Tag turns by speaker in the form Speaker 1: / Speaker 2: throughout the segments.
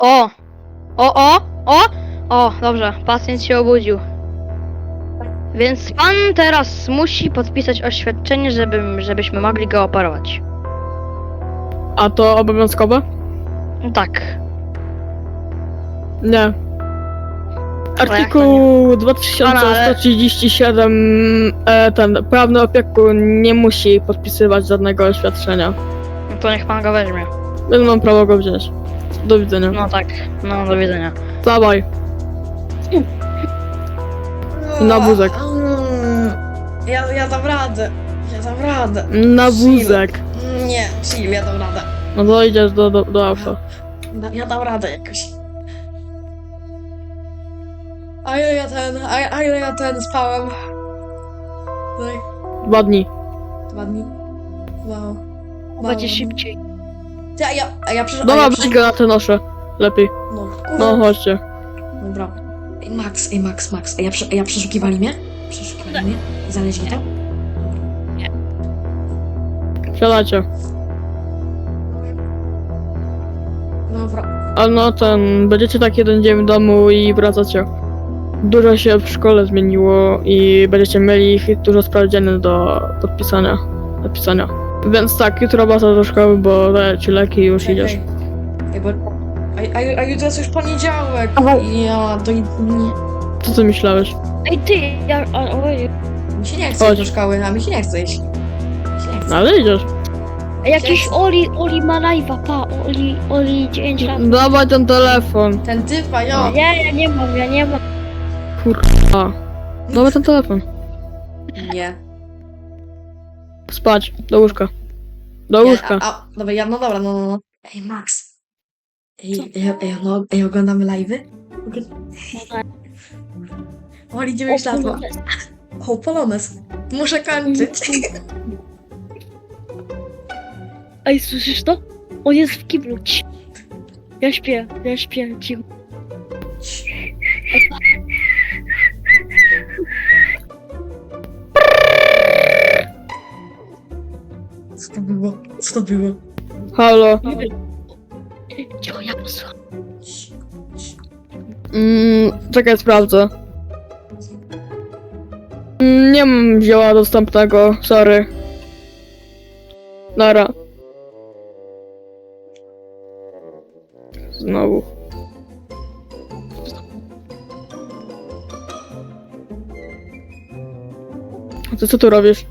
Speaker 1: O! O, dobrze, pacjent się obudził. Więc pan teraz musi podpisać oświadczenie, żebyśmy mogli go operować.
Speaker 2: A to obowiązkowe?
Speaker 1: Tak.
Speaker 2: Nie. Artykuł 2137 ten prawny opiekun nie musi podpisywać żadnego oświadczenia.
Speaker 1: No to niech pan go weźmie.
Speaker 2: Więc mam prawo go wziąć. Do widzenia.
Speaker 1: No tak, no do widzenia.
Speaker 2: Dawaj. Na wózek.
Speaker 3: Ja dam radę. Ja dam radę.
Speaker 2: Na wózek.
Speaker 3: Nie, chill, ja dam radę.
Speaker 2: No to idziesz do auta.
Speaker 3: Ja dam radę jakoś. A ile ja spałem? Tak,
Speaker 2: 2 dni.
Speaker 3: 2 dni. Wow.
Speaker 1: Będzie szybciej.
Speaker 3: Ja przecież...
Speaker 2: Dobra, weź go na te nosze. Lepiej.
Speaker 3: No,
Speaker 2: No chodźcie.
Speaker 3: Dobra. Ej, Max. Ja przeszukiwali mnie? Przeszukiwali mnie? Znaleźli to?
Speaker 2: Siadajcie.
Speaker 3: Dobra.
Speaker 2: A no będziecie tak jeden dzień w domu i wracacie. Dużo się w szkole zmieniło i będziecie mieli dużo sprawdzianych do podpisania, napisania. Więc tak, jutro wracasz do szkoły, bo daję ci leki i już idziesz.
Speaker 3: Ej, bo... A jutro jest już poniedziałek. Ja to nie...
Speaker 2: Co ty myślałeś?
Speaker 1: Ej ty, oj.
Speaker 3: Mi się nie chce
Speaker 2: Chodź.
Speaker 3: iść do szkoły, a mi się nie chce iść. Mi się nie chce.
Speaker 2: No ale idziesz.
Speaker 1: Jakiś Oli ma live'a, pa, Oli 9 lat.
Speaker 2: Dawaj ten telefon.
Speaker 3: Ten typ, a ja...
Speaker 1: Nie, ja nie mam.
Speaker 2: Kurwa. Dawaj ten telefon.
Speaker 3: Nie.
Speaker 2: Spać. Do łóżka. Do łóżka.
Speaker 3: Dobra, no dobra, no. Ej, Max. Ej, oglądamy live'y? Oli, 9 lat ma. O, Polones. Muszę kończyć.
Speaker 1: Ej, słyszysz to? On jest w kiblu. Ja śpię, cicho.
Speaker 3: Co to było?
Speaker 2: Halo.
Speaker 1: Cicho, ja posłucham.
Speaker 2: Czekaj, sprawdzę. Nie mam zioła dostępnego, sorry. Nara. Znowu. A ty co tu robisz?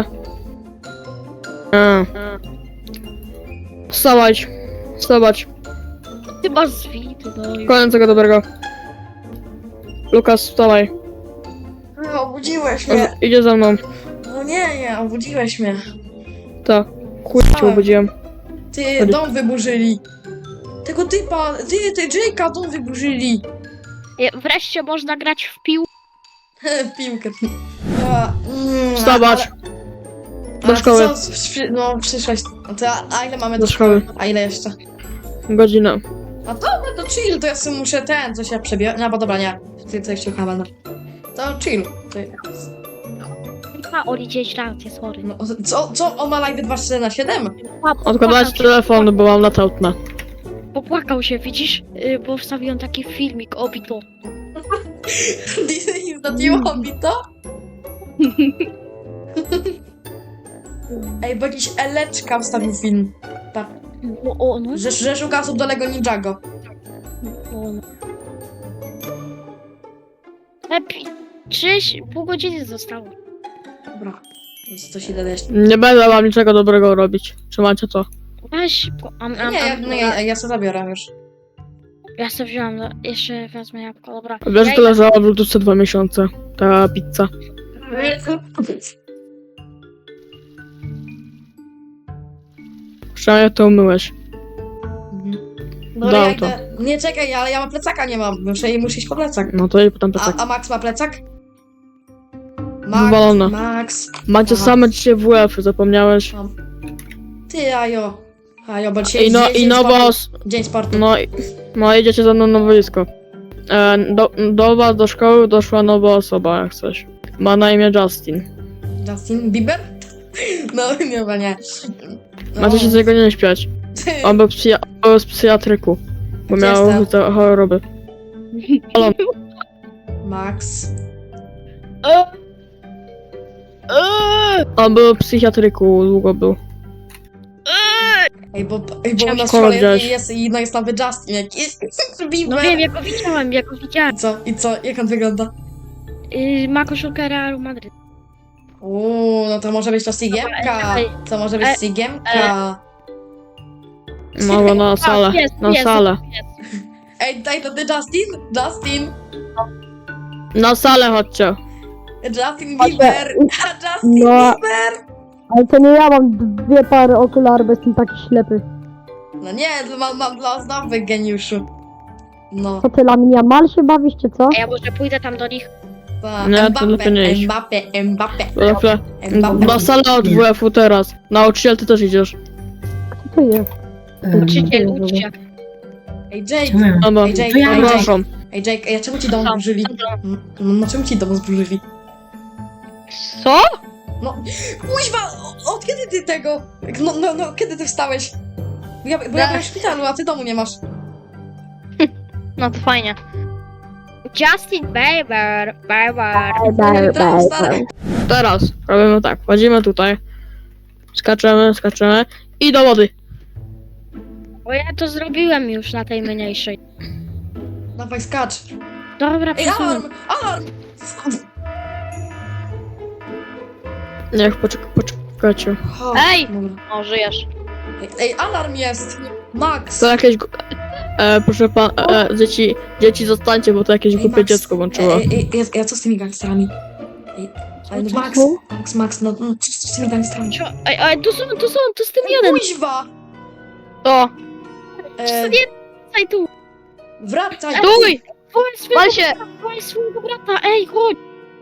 Speaker 2: Wstawać. Wstawać.
Speaker 1: Ty masz zwity, no.
Speaker 2: Koniec tego dobrego. Lukas, wstawaj.
Speaker 3: No, obudziłeś mnie.
Speaker 2: Idzie za mną.
Speaker 3: No nie, obudziłeś mnie.
Speaker 2: Tak. Chuj cię obudziłem.
Speaker 3: Ty,
Speaker 2: Chodź.
Speaker 3: dom wyburzyli. Tego typa, ty Jake'a dom wyburzyli.
Speaker 1: Wreszcie można grać w pił.
Speaker 3: W piłkę.
Speaker 2: Wstawać. Do szkoły.
Speaker 3: No, przyszłeś. A ile mamy
Speaker 2: Do szkoły.
Speaker 3: A ile jeszcze?
Speaker 2: Godzinę.
Speaker 3: A dobra, to chill, to ja sobie muszę coś ja przebiorę. No bo dobra, nie. Ty jeszcze chyba, no. To chill.
Speaker 1: A, Oli 9 lat, jest chory.
Speaker 3: No, co? On ma live 24/7?
Speaker 2: Odkładać telefon, bo mam latautna.
Speaker 1: Popłakał się, widzisz? Bo wstawiłem taki filmik, obito.
Speaker 3: Disney zdadziło mi to? Ej, bo jakiś Eleczka wstawił film. Tak.
Speaker 1: No.
Speaker 3: Że szuka osób do Lego Ninjago.
Speaker 1: No. Lepiej. 3,5 godziny zostało.
Speaker 3: Dobra. Więc coś idę jeszcze.
Speaker 2: Nie będę wam niczego dobrego robić. Trzymajcie to.
Speaker 1: Weź,
Speaker 3: Ja sobie zabiorę już.
Speaker 1: ja sobie wziąłem, jeszcze wezmę jabłko, dobra.
Speaker 2: Wiesz, że to leżała w lodówce 2 miesiące. Ta pizza. Przynajmniej to umyłeś.
Speaker 3: Dobra,
Speaker 2: Dał
Speaker 3: ja
Speaker 2: to.
Speaker 3: idę. Nie, czekaj, ale ja mam plecaka, nie mam. Muszę iść po plecak.
Speaker 2: No to i potem plecak.
Speaker 3: A Max ma plecak?
Speaker 2: Wywalone.
Speaker 3: Max.
Speaker 2: Macie
Speaker 3: Aha.
Speaker 2: same dzisiaj WF, zapomniałeś?
Speaker 3: Ty, Ajo, bo dzisiaj
Speaker 2: I nowo...
Speaker 3: Dzień sportu.
Speaker 2: No idziecie ze mną na boisko. Do was, do szkoły doszła nowa osoba, jak coś. Ma na imię Justin.
Speaker 3: Justin Bieber? No, nie. No.
Speaker 2: Macie się z niego nie śpiać. On był z psychiatryku. bo
Speaker 3: Gdzie
Speaker 2: miał
Speaker 3: jestem?
Speaker 2: te choroby. Halo.
Speaker 3: Max.
Speaker 2: On był w psychiatryku, długo był.
Speaker 3: Ej, bo u nas w
Speaker 2: Szkoła
Speaker 3: szkole
Speaker 2: wziąłeś.
Speaker 3: jest nowy Justin jakiś.
Speaker 1: No
Speaker 3: Bieber.
Speaker 1: wiem, ja go widziałam, ja go widziałam.
Speaker 3: I co? Jak on wygląda?
Speaker 1: Ma koszulkę Realu Madryt.
Speaker 3: No to może być to Sigiemka. To może być Sigiemka.
Speaker 2: Mała na salę, na salę.
Speaker 3: Ej, daj to ty Justin? Justin!
Speaker 2: Na salę chodźcie.
Speaker 3: Justin Bieber! Justin
Speaker 4: No.
Speaker 3: Bieber!
Speaker 4: Ale to nie ja mam dwie pary okularów, bo jestem taki ślepy.
Speaker 3: No nie, mam dla ozdoby, geniuszu. No.
Speaker 4: Co ty, Laminia, mal się bawisz, czy co?
Speaker 1: A ja może pójdę tam do nich.
Speaker 3: Ta,
Speaker 2: Nie, to lepiej nie iść.
Speaker 3: Mbappe.
Speaker 2: Na salę od WF-u teraz. Nauczyciel, ty też idziesz.
Speaker 4: Kto to jest?
Speaker 1: Uczyciel, uczcie.
Speaker 3: Ej, Jake!
Speaker 2: Dobra,
Speaker 3: Ej, Jake,
Speaker 4: To ja
Speaker 3: ej, Jake.
Speaker 2: przepraszam.
Speaker 3: Ej, Jake, ej, a czemu ci dom zburzyli? No czemu ci dom zburzyli?
Speaker 1: Co?
Speaker 3: Kuźwa, od kiedy ty tego? No, kiedy ty wstałeś? Bo ja byłem w szpitalu, a ty domu nie masz.
Speaker 1: No to fajnie. Justin Bieber.
Speaker 3: Stary.
Speaker 2: Teraz robimy tak, wchodzimy tutaj. Skaczemy i do wody.
Speaker 1: Bo ja to zrobiłem już na tej mniejszej.
Speaker 3: Dawaj, skacz.
Speaker 1: Dobra,
Speaker 3: Ej,
Speaker 1: przesunę.
Speaker 3: alarm! Alarm!
Speaker 2: Niech poczekajcie.
Speaker 3: O,
Speaker 1: Ej!
Speaker 3: dobra.
Speaker 1: O, żyjesz.
Speaker 3: Ej, alarm jest! Max!
Speaker 2: To jakieś... proszę pan, dzieci zostańcie, bo to jakieś
Speaker 3: Ej,
Speaker 2: głupie
Speaker 3: Max.
Speaker 2: dziecko włączyło.
Speaker 3: Ja co z tymi gangsterami? Ej, ale no Max, no co z tymi gangsterami?
Speaker 1: Ej, tu z tym jeden.
Speaker 3: Kuźwa!
Speaker 1: To.
Speaker 3: E,
Speaker 1: Ej, tu.
Speaker 3: wracaj!
Speaker 1: Stój! Wal się!
Speaker 4: No.
Speaker 1: Swojego brata, ej, chodź!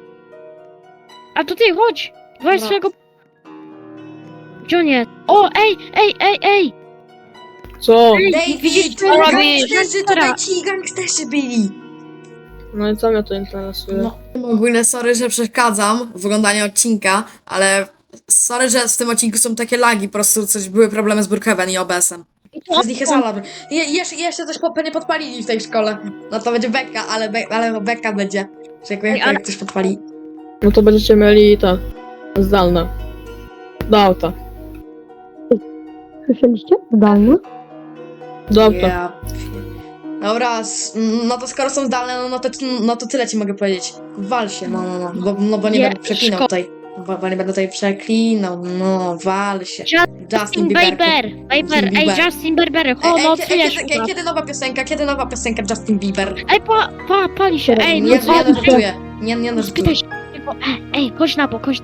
Speaker 1: A to ty, chodź! Weź
Speaker 3: No.
Speaker 1: swojego... Gdzie on jest? O, ej!
Speaker 2: Co?
Speaker 3: David!
Speaker 1: co robisz?
Speaker 3: Gangsterzy, tutaj ci gangsterzy byli!
Speaker 2: No i co mnie to interesuje?
Speaker 3: No. Ogólnie sorry, że przeszkadzam w oglądaniu odcinka, ale sorry, że w tym odcinku są takie lagi, po prostu były problemy z Brookhaven i OBS-em. Z nich jest alarm. Jeszcze coś nie podpalili w tej szkole. No to będzie beka, ale beka będzie. Że jak coś podpali.
Speaker 2: No to będziecie mieli te... zdalne. Do auta.
Speaker 4: Słyszeliście? Zdalnie?
Speaker 2: Do auta.
Speaker 3: Yeah. Dobra, no to skoro są zdalne, no to tyle ci mogę powiedzieć. Wal się, bo nie
Speaker 1: Nie,
Speaker 3: będę przeklinał
Speaker 1: szko-
Speaker 3: tutaj. Bo nie będę tutaj przeklinał, no wal się.
Speaker 1: Justin Bieber! Justin Bieber, no czujesz
Speaker 3: Kiedy nowa piosenka Justin Bieber?
Speaker 1: Ej, pali się, ej,
Speaker 3: Nie
Speaker 1: no co?
Speaker 3: narzeczuję, nie narzeczuję.
Speaker 1: Spytaj się go, ej, chodź na bok.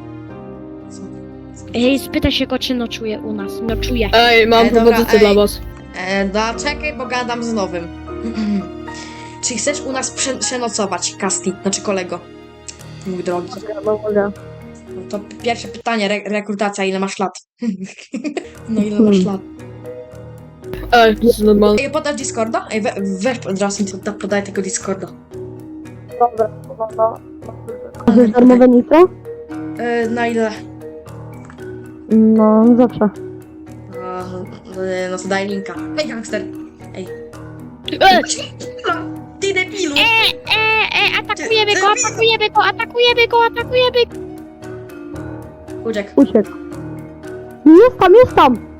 Speaker 1: Ej, spytaj się go, czy nocuje u nas, nocuje.
Speaker 2: Ej, mam
Speaker 3: Dobra,
Speaker 2: propozycję dla
Speaker 3: ej.
Speaker 2: was.
Speaker 3: Czekaj, bo gadam z nowym. Czy chcesz u nas przenocować, Kasti, znaczy kolego? Mój drogi.
Speaker 4: Mogę.
Speaker 3: No to pierwsze pytanie, rekrutacja, ile masz lat? No ile masz lat?
Speaker 2: Ej, to jest normalne.
Speaker 3: Ej, podasz Discorda? Ej, weź od razu podaj tego Discorda.
Speaker 4: Dobra, no. Chcesz darmowe nitro?
Speaker 3: Na ile?
Speaker 4: No, zawsze.
Speaker 3: No to daj linka. Ej, gangster! Ej.
Speaker 1: Ej,
Speaker 3: Ty debilu!
Speaker 1: atakujemy go!
Speaker 3: Uciek.
Speaker 4: Uciekł. Jest tam!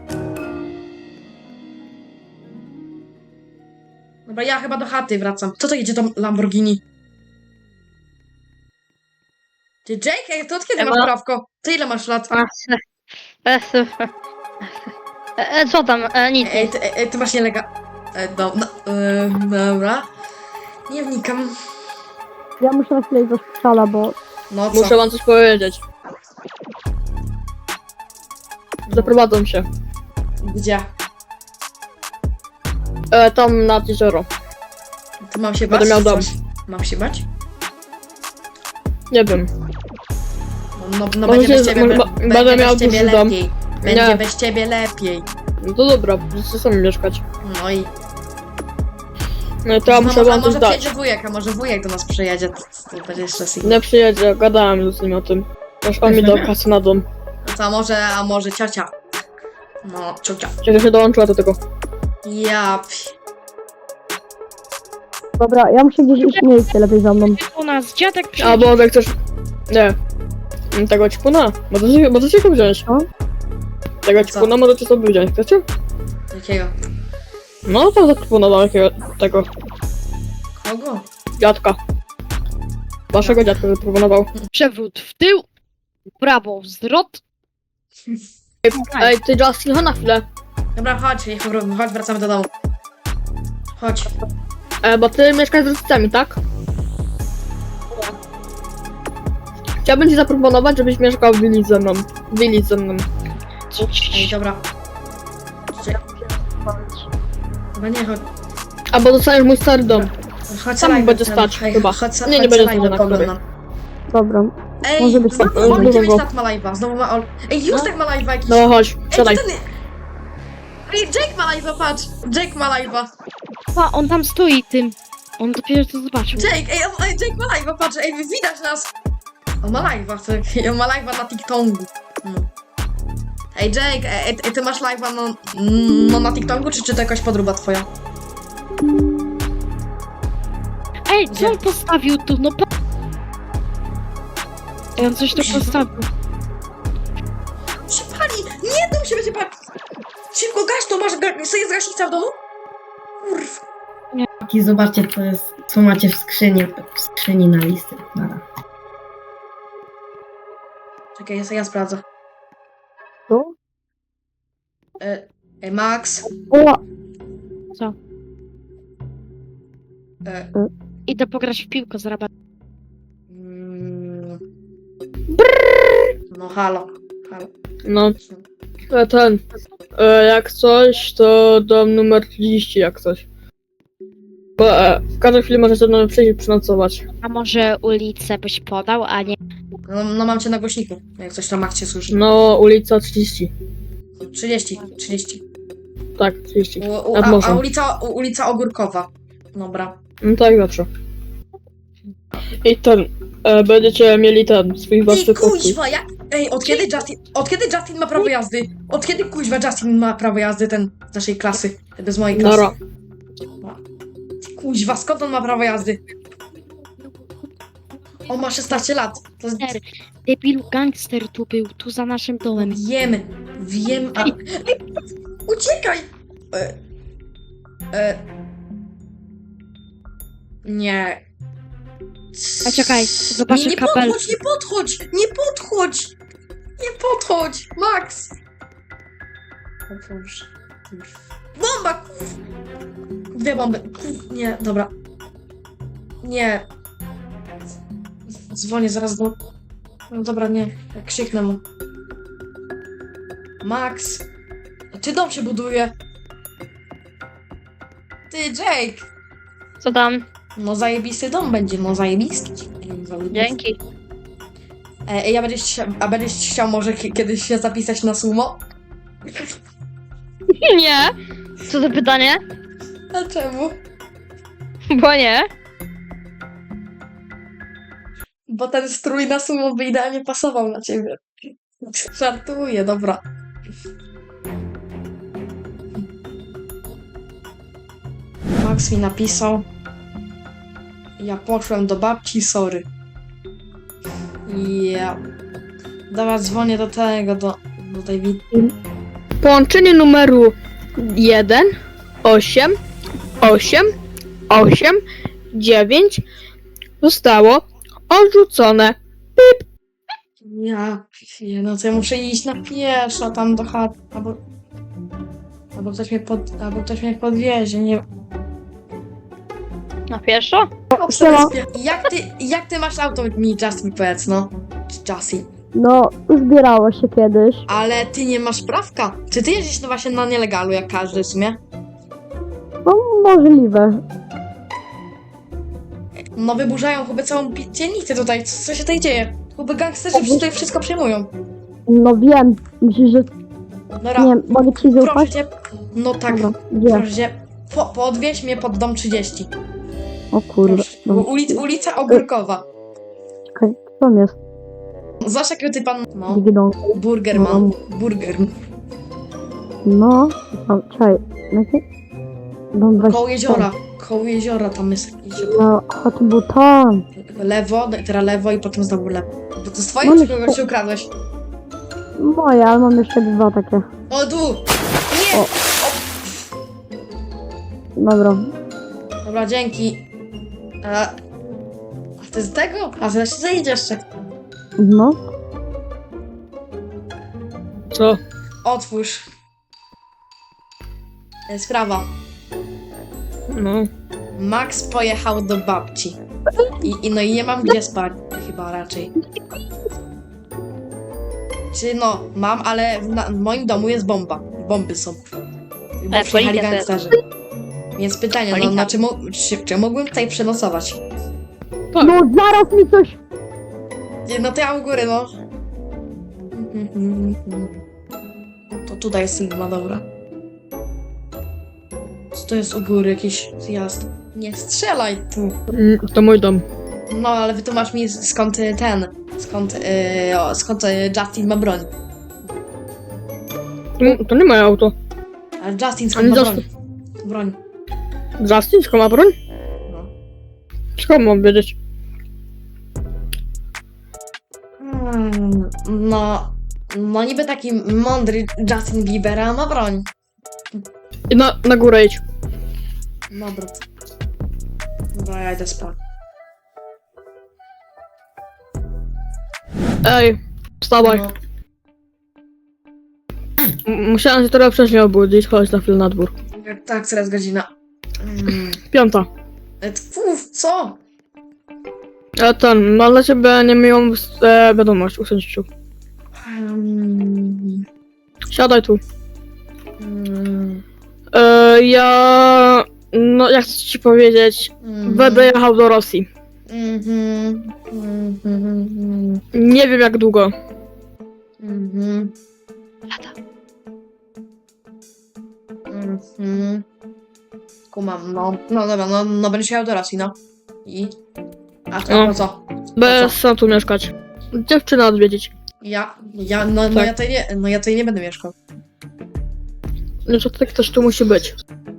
Speaker 3: Dobra, ja chyba do chaty wracam. Co to jedzie tam Lamborghini? Ty Jake, to od kiedy masz prawko? Ty ile masz lat?
Speaker 1: Co tam? Nic.
Speaker 3: Ty masz dobra. Nie wnikam.
Speaker 4: Ja muszę na chwilę iść do szpitala, bo...
Speaker 3: No co?
Speaker 2: Muszę wam coś powiedzieć. Zaprowadzą się.
Speaker 3: Gdzie?
Speaker 2: Tam nad jezioro.
Speaker 3: Ty mam się bać?
Speaker 2: Będę miał dom.
Speaker 3: Coś? Mam się bać?
Speaker 2: Nie wiem.
Speaker 3: No
Speaker 2: Może
Speaker 3: będzie bez
Speaker 2: się-
Speaker 3: ciebie,
Speaker 2: będę miał
Speaker 3: bez ciebie
Speaker 2: duży dom.
Speaker 3: lepiej. Będzie
Speaker 2: Nie.
Speaker 3: bez ciebie lepiej.
Speaker 2: No to dobra, będziecie sami mieszkać.
Speaker 3: No i...
Speaker 2: No i to ja muszę wam coś
Speaker 3: może
Speaker 2: dać.
Speaker 3: przyjedzie wujek, a może wujek do nas przyjedzie. To będzie jeszcze sygnał.
Speaker 2: Nie przyjedzie, gadałem z nim o tym. Aż on mi dał kasę na dom.
Speaker 3: To a może ciocia? No, ciocia.
Speaker 2: Cieszę się dołączyła do tego.
Speaker 3: Ja...
Speaker 4: Dobra, ja muszę gdzieś iść, nie idźcie lepiej za mną.
Speaker 5: U nas dziadek
Speaker 2: A
Speaker 5: przyjdzie.
Speaker 2: bo jak chcesz... Nie. Tego ćpuna. Możecie go wziąć.
Speaker 4: Co?
Speaker 2: Tego
Speaker 3: Co?
Speaker 2: ćpuna możecie sobie wziąć, chcecie?
Speaker 3: Jakiego?
Speaker 2: No to zaproponował jakiego tego
Speaker 3: Kogo?
Speaker 2: dziadka. Waszego dziadka zaproponował.
Speaker 5: Przewrót w tył, w prawo zwrot.
Speaker 2: Ej, ty Justin, chodź na chwilę.
Speaker 3: Dobra, chodź, chodź, wracamy do domu. Chodź.
Speaker 2: Bo ty mieszkasz z rodzicami, tak? Chciałbym ci zaproponować, żebyś mieszkał w willi ze mną. Willi ze mną.
Speaker 3: Ej, dobra. Chyba nie, chodź.
Speaker 2: Albo dostaniesz mój stary dom.
Speaker 3: Chodź
Speaker 2: Tam
Speaker 3: live,
Speaker 2: będzie
Speaker 3: ten-
Speaker 2: stać,
Speaker 3: ej,
Speaker 2: chyba.
Speaker 3: Chodź,
Speaker 2: Nie, nie
Speaker 3: chodź
Speaker 2: będzie
Speaker 3: live,
Speaker 2: stać na
Speaker 3: poglądam.
Speaker 4: Dobra.
Speaker 3: Ej,
Speaker 4: Może być tak.
Speaker 3: Oli
Speaker 2: Dużo
Speaker 3: 9
Speaker 2: go.
Speaker 3: lat ma live'a, znowu ma Ol... Ej, Justek ma live'a jakiś.
Speaker 2: No chodź,
Speaker 3: Ej,
Speaker 2: siadaj.
Speaker 3: to ten... Ej, Jake ma live'a, patrz. Jake ma live'a.
Speaker 5: Pa, on tam stoi tym. On dopiero to zobaczył.
Speaker 3: Jake, Jake ma live'a, patrz, ej, widać nas. On ma live'a, on ma live'a na TikToku. No. Ej, Jake, ej, ty masz live'a no na TikToku, czy to jakaś podróba twoja?
Speaker 5: Ej,
Speaker 3: Gdzie?
Speaker 5: co on postawił tu? No pa... Ej, on coś tu postawił.
Speaker 3: Się pali! Nie, dom się będzie palić! Szybko, gaś to, jest gaśnica w domu? Kurw.
Speaker 6: I zobaczcie, co macie w skrzyni na listy. Nara.
Speaker 3: Czekaj, ja sprawdzę.
Speaker 4: Co?
Speaker 3: Max.
Speaker 4: O,
Speaker 5: Idę pograć w piłkę z rabatem.
Speaker 3: Mm. No halo.
Speaker 2: No, jak coś, to dom numer 30, jak coś. Bo w każdej chwili możecie do mnie przyjść i przynocować.
Speaker 5: A może ulicę byś podał, a nie...
Speaker 3: No mam cię na głośniku, jak coś tam Max cię słyszy.
Speaker 2: No, ulica 30.
Speaker 3: 30.
Speaker 2: Tak, 30.
Speaker 3: A
Speaker 2: Nad morzem.
Speaker 3: ulica Ogórkowa. Dobra.
Speaker 2: No tak, zawsze. I będziecie mieli swój własny
Speaker 3: Ej,
Speaker 2: pokój.
Speaker 3: kuźwa, od kiedy Justin ma prawo jazdy? Od kiedy kuźwa Justin ma prawo jazdy, ten z naszej klasy? Z mojej klasy.
Speaker 2: Nara.
Speaker 3: Kuźwa, skąd on ma prawo jazdy? On ma 16 lat. To jest...
Speaker 5: Debilu gangster tu był, tu za naszym domem.
Speaker 3: Wiem, a... Ej, uciekaj! Nie.
Speaker 5: A czekaj, zobaczę
Speaker 3: Nie
Speaker 5: kapel.
Speaker 3: Nie podchodź! Max! O Boże. Bomba! Dwie bomby. Nie, dobra. Nie. Dzwonię zaraz do... No dobra, nie. Jak krzyknę mu. Max! Ty dom się buduje. Ty, Jake!
Speaker 1: Co tam?
Speaker 3: No zajebisty dom będzie, no zajebisty.
Speaker 1: Dzięki.
Speaker 3: A będziesz chciał może kiedyś się zapisać na sumo?
Speaker 1: Nie. Co za pytanie?
Speaker 3: A czemu?
Speaker 1: Bo nie.
Speaker 3: Bo ten strój na sumo by idealnie pasował na ciebie. Żartuję, dobra. Max mi napisał. Ja poszłem do babci, sorry. Ja. Dobra, dzwonię do tej
Speaker 2: Połączenie numeru 1, 8, 8, 8, 9 zostało odrzucone.
Speaker 3: No to ja muszę iść na pieszo tam do chaty, albo ktoś mnie podwiezie, nie.
Speaker 1: Na pieszo?
Speaker 3: Jak ty masz auto, mi Justin powiedz, no. Justin.
Speaker 4: no, zbierało się kiedyś.
Speaker 3: Ale ty nie masz prawka. Czy ty jeździsz no właśnie na nielegalu, jak każdy w sumie?
Speaker 4: No, możliwe.
Speaker 3: No wyburzają chyba całą dzielnicę tutaj, co się tutaj dzieje? Chyba gangsterzy tutaj wszystko przejmują.
Speaker 4: No wiem, myślisz, że
Speaker 3: Dobra,
Speaker 4: nie, mogę ci
Speaker 3: proszę
Speaker 4: zaufać?
Speaker 3: cię. No tak,
Speaker 4: Dobra, gdzie?
Speaker 3: proszę cię. Podwieź mnie pod dom 30.
Speaker 4: O kurde,
Speaker 3: Proszę.
Speaker 4: no,
Speaker 3: Ulica Ogórkowa.
Speaker 4: czekaj, co tam jest?
Speaker 3: Zobacz jaki ty pan... No,
Speaker 4: Digidon.
Speaker 3: Burgerman. Burger.
Speaker 4: No, o, czekaj, jaki? Dom 20.
Speaker 3: Koło jeziora. koło jeziora tam jest jakieś
Speaker 4: No, a to był tam.
Speaker 3: lewo, no i teraz lewo i potem znowu lewo. Bo to jest twoje,
Speaker 4: No
Speaker 3: czy
Speaker 4: nie-
Speaker 3: kogoś się ukradłeś?
Speaker 4: Moje, ale mam jeszcze 2 takie.
Speaker 3: O, tu! Nie!
Speaker 4: O. Dobra.
Speaker 3: Dobra, dzięki. A to jest tego? A zaraz się zejdzie jeszcze.
Speaker 4: No.
Speaker 2: Co?
Speaker 3: Otwórz. Sprawa.
Speaker 2: No.
Speaker 3: Max pojechał do babci. No i nie mam gdzie spać, chyba raczej. Czy no, mam, ale w moim domu jest bomba. Bomby są. Bo przyjechali
Speaker 1: policja
Speaker 3: gangsterzy. Więc pytanie, no,
Speaker 1: Policja.
Speaker 3: czy mógłbym tutaj przenocować?
Speaker 2: Tak.
Speaker 4: No, zaraz mi coś...
Speaker 3: No to ja u góry, no. To tutaj jest Sigma, dobra. Co to jest u góry? Jakiś zjazd. Nie strzelaj tu.
Speaker 2: To mój dom.
Speaker 3: No, ale wytłumacz mi skąd skąd Justin ma broń.
Speaker 2: To nie moje auto.
Speaker 3: Ale Justin skąd
Speaker 2: Ale
Speaker 3: ma
Speaker 2: Justin-
Speaker 3: broń?
Speaker 2: Justin, skąd ma broń?
Speaker 3: No.
Speaker 2: Skąd mam wiedzieć?
Speaker 3: No niby taki mądry Justin Bieber, a ma broń.
Speaker 2: I na górę idź.
Speaker 3: Dobra. Dobra, ja idę spać.
Speaker 2: Ej, wstawaj.
Speaker 3: No.
Speaker 2: Musiałem się trochę wcześniej obudzić, chodź na chwilę na dwór.
Speaker 3: Tak, teraz godzina.
Speaker 2: 5.
Speaker 3: Co?
Speaker 2: Mam dla ciebie niemiłą wiadomość, usiądź tu. Siadaj tu. Ja chcę ci powiedzieć, będę jechał do Rosji. Nie wiem jak długo.
Speaker 3: Kumam, no. No dobra, no będziesz jechał do Rosji, no. I? A to
Speaker 2: No.
Speaker 3: po co?
Speaker 2: Bez sam tu mieszkać. Dziewczynę odwiedzić.
Speaker 3: No ja tutaj nie będę mieszkał.
Speaker 2: No to tak też tu musi być.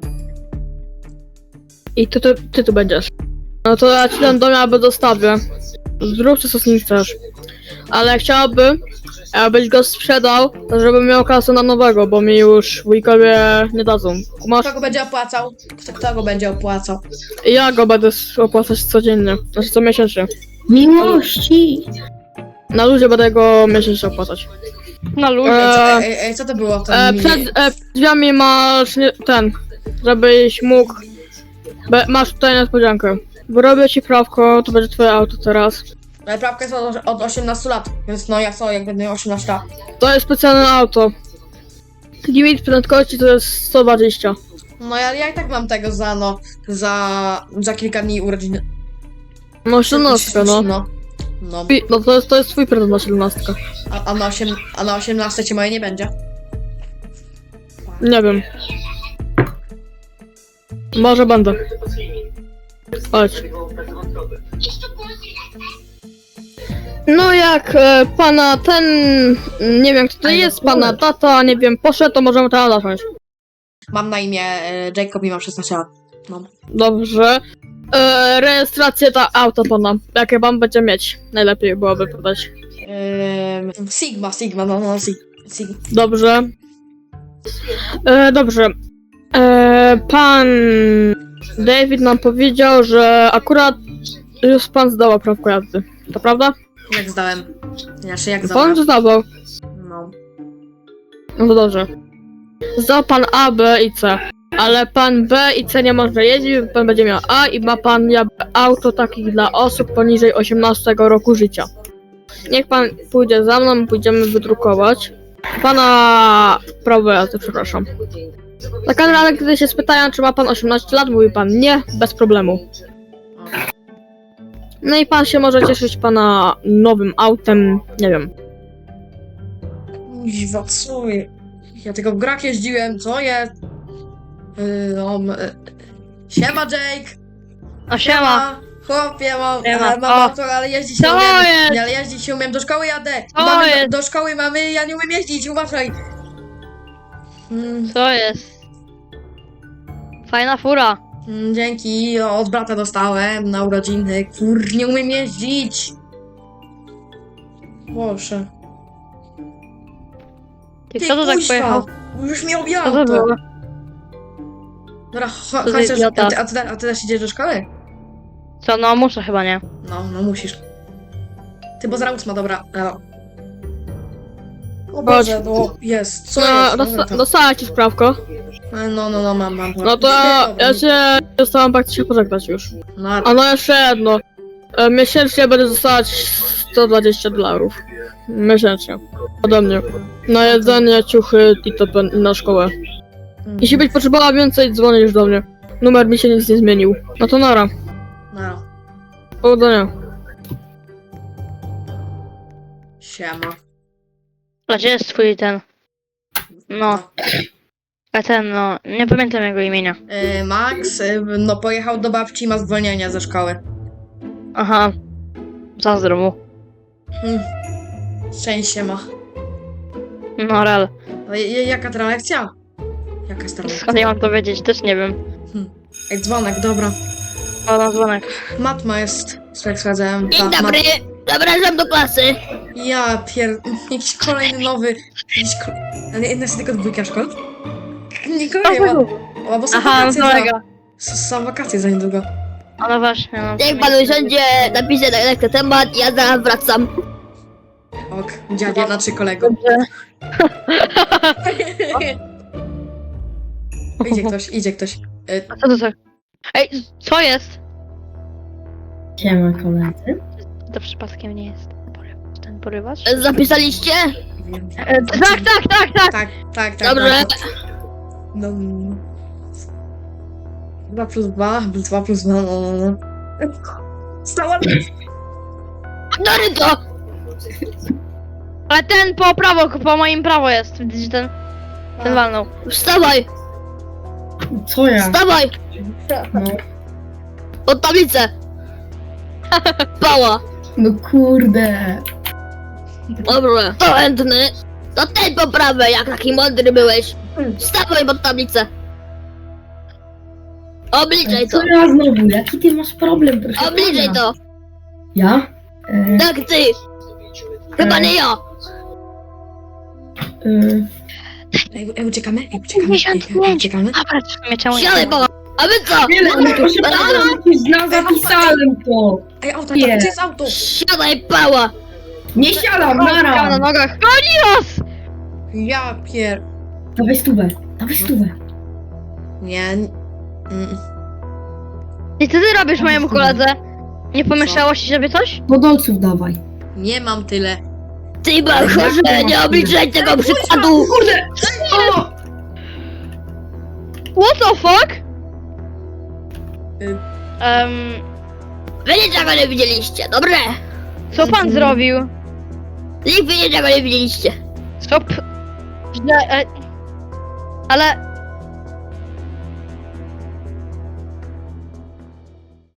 Speaker 2: I ty tu będziesz. No to ja ci ten dom jakby dostawię. Zrób co z nim chcesz. Ale chciałabym, abyś go sprzedał, żebym miał kasę na nowego, bo mi już wujkowie nie dadzą. Masz?
Speaker 3: Kto go będzie opłacał? Kto go będzie opłacał?
Speaker 2: Ja go będę opłacać codziennie, znaczy co miesięcznie.
Speaker 6: Miłości!
Speaker 2: Na ludzie będę go miesięcznie opłacać.
Speaker 1: Na ludzie.
Speaker 3: Co to było? To
Speaker 2: Przed drzwiami masz żebyś mógł. Masz tutaj niespodziankę. Wyrobię ci prawko, to będzie twoje auto teraz.
Speaker 3: Ale prawka jest od 18 lat, więc no ja co, jak będę miał 18 lat.
Speaker 2: To jest specjalne auto. Limit prędkości to jest 120.
Speaker 3: No ja i tak mam tego za kilka dni urodziny.
Speaker 2: No 17, no.
Speaker 3: No.
Speaker 2: No to jest twój prezent na 17.
Speaker 3: A na 18 ci moje nie będzie?
Speaker 2: Nie wiem. Może będę. Chodź. No jak pana ten, nie wiem kto to jest, pana tata, nie wiem, poszedł, to możemy teraz zacząć.
Speaker 3: Mam na imię Jacob i mam 16 lat. No.
Speaker 2: Dobrze. Rejestrację ta auto pana, jakie pan będzie mieć, najlepiej byłoby podać.
Speaker 3: Sigma, Sigma.
Speaker 2: Dobrze. Dobrze. Pan David nam powiedział, że akurat już pan zdał prawko jazdy. To prawda?
Speaker 3: Jak zdałem? Jak
Speaker 2: Pan
Speaker 3: zdałem?
Speaker 2: zdawał.
Speaker 3: No.
Speaker 2: No to dobrze. Zdał pan A, B i C. Ale pan B i C nie może jeździć, pan będzie miał A i ma pan jakby auto takich dla osób poniżej 18 roku życia. Niech pan pójdzie za mną, pójdziemy wydrukować. Pana prawo jazdy, przepraszam. Za każdym razem, kiedy się spytają, czy ma pan 18 lat, mówi pan nie, bez problemu. No i pan się może cieszyć pana nowym autem, nie wiem.
Speaker 3: Kuźwa, co je? Ja tylko w grach jeździłem, co jest? Siema Jake!
Speaker 1: A siema.
Speaker 3: Chłopie,
Speaker 1: Siema.
Speaker 3: mam auto, ale jeździć nie
Speaker 1: Co
Speaker 3: umiem.
Speaker 1: jest?
Speaker 3: Nie, ale jeździć nie umiem, do szkoły jadę.
Speaker 1: Co jest?
Speaker 3: Do szkoły mamy, ja nie umiem jeździć, uważaj.
Speaker 1: Co jest? Fajna fura.
Speaker 3: Dzięki, od brata dostałem na urodziny. Kur, nie umiem jeździć. Boże.
Speaker 1: Ty, kto to tak
Speaker 3: kuźwa,
Speaker 1: pojechał?
Speaker 3: Już mi
Speaker 1: Co
Speaker 3: objęło
Speaker 1: to
Speaker 3: to.
Speaker 1: było?
Speaker 3: Dobra,
Speaker 1: za
Speaker 3: chodź,
Speaker 1: idiota?
Speaker 3: a ty też idziesz do szkoły?
Speaker 1: Co, no muszę chyba, nie?
Speaker 3: No musisz. Ty, bo zaraz 8, dobra. No. O
Speaker 2: Chodź.
Speaker 3: Boże, no jest, co jest? Dobra, to-
Speaker 2: Dostała ci sprawko.
Speaker 3: No, mam.
Speaker 2: No to ja się dostałam praktycznie pożegnać już.
Speaker 3: No,
Speaker 2: A no jeszcze jedno. Miesięcznie będę dostawać $120. Miesięcznie. Ode mnie. Na jedzenie, ciuchy i to na szkołę. Jeśli byś potrzebowała więcej, dzwonisz do mnie. Numer mi się nic nie zmienił. No to nara.
Speaker 3: No,
Speaker 2: Powodzenia.
Speaker 3: siema.
Speaker 1: A gdzie jest twój ten? No, a ten, no, nie pamiętam jego imienia.
Speaker 3: Max, no pojechał do babci i ma zwolnienie ze szkoły.
Speaker 1: Aha, zazdro mu.
Speaker 3: Szczęście ma.
Speaker 1: No, rel.
Speaker 3: Ale jaka teraz lekcja? Jaka jest teraz
Speaker 1: Skąd
Speaker 3: lekcja?
Speaker 1: ja mam to wiedzieć? Też nie wiem.
Speaker 3: Ej, dzwonek, dobra.
Speaker 1: O, na dzwonek.
Speaker 3: Matma jest, jak sprawdzałem.
Speaker 5: Dzień dobry, zapraszam do klasy.
Speaker 3: Ja jakiś kolejny nowy. Ale jedna jest tylko dwójka szkół? Nikogo nie ma. O, bo są
Speaker 1: Aha, no
Speaker 3: wakacje
Speaker 1: kolega.
Speaker 3: Są wakacje za niedługo.
Speaker 1: O, no właśnie, no.
Speaker 5: Niech pan usiądzie, napisze na ten temat, ja zaraz wracam.
Speaker 3: Ok, dziadzie, znaczy kolego.
Speaker 1: Dobrze.
Speaker 3: Idzie ktoś.
Speaker 1: A co to za... Ej, co jest?
Speaker 6: Siema koledzy.
Speaker 1: To przypadkiem nie jest ten porywacz?
Speaker 5: Zapisaliście?
Speaker 1: Tak.
Speaker 5: Dobrze.
Speaker 3: No. 2 plus 2, 2 plus 2, no. Stała.
Speaker 5: Naryto!
Speaker 1: Ale ten po prawo, po moim prawo jest. Widzisz ten walnął.
Speaker 5: Wstawaj,
Speaker 6: Co ja?
Speaker 5: wstawaj!
Speaker 6: No,
Speaker 5: Pod tablicę! Pała!
Speaker 6: no kurde.
Speaker 5: Dobrze, to chętny. To ten po prawej, jak taki mądry byłeś. Wstawaj pod tablicę. Obliczaj to.
Speaker 6: Co ja znowu? Jaki ty masz problem, proszę
Speaker 5: Obliczaj
Speaker 6: pana?
Speaker 5: to.
Speaker 6: Ja?
Speaker 5: Tak ty. Chyba nie ja.
Speaker 3: Ej, uciekamy.
Speaker 1: Dobra, w sumie czemu nie?
Speaker 5: Siadaj, pała. A wy co?
Speaker 6: Nie, ale proszę pana, przecież zapisałem to.
Speaker 3: Ej, auto,
Speaker 6: Nie.
Speaker 3: gdzie jest auto?
Speaker 5: Siadaj, pała.
Speaker 6: Nie siadam,
Speaker 1: Miał na
Speaker 6: nara.
Speaker 1: nogach. Goni nas!
Speaker 3: Ja pier...
Speaker 6: Dawaj stówę, dawaj stówę.
Speaker 3: Nie.
Speaker 1: I co ty robisz mojemu koledze? Nie pomieszało ci sobie coś?
Speaker 6: Do dolców dawaj.
Speaker 3: Nie mam tyle.
Speaker 5: Ty bachorze, nie obliczaj tego przykładu.
Speaker 6: Kurde! O!
Speaker 1: What the fuck?
Speaker 5: Wy niczego nie widzieliście, dobre?
Speaker 1: Co pan zrobił?
Speaker 5: Nikt wy niczego nie widzieliście.
Speaker 1: Stop. Źle, ale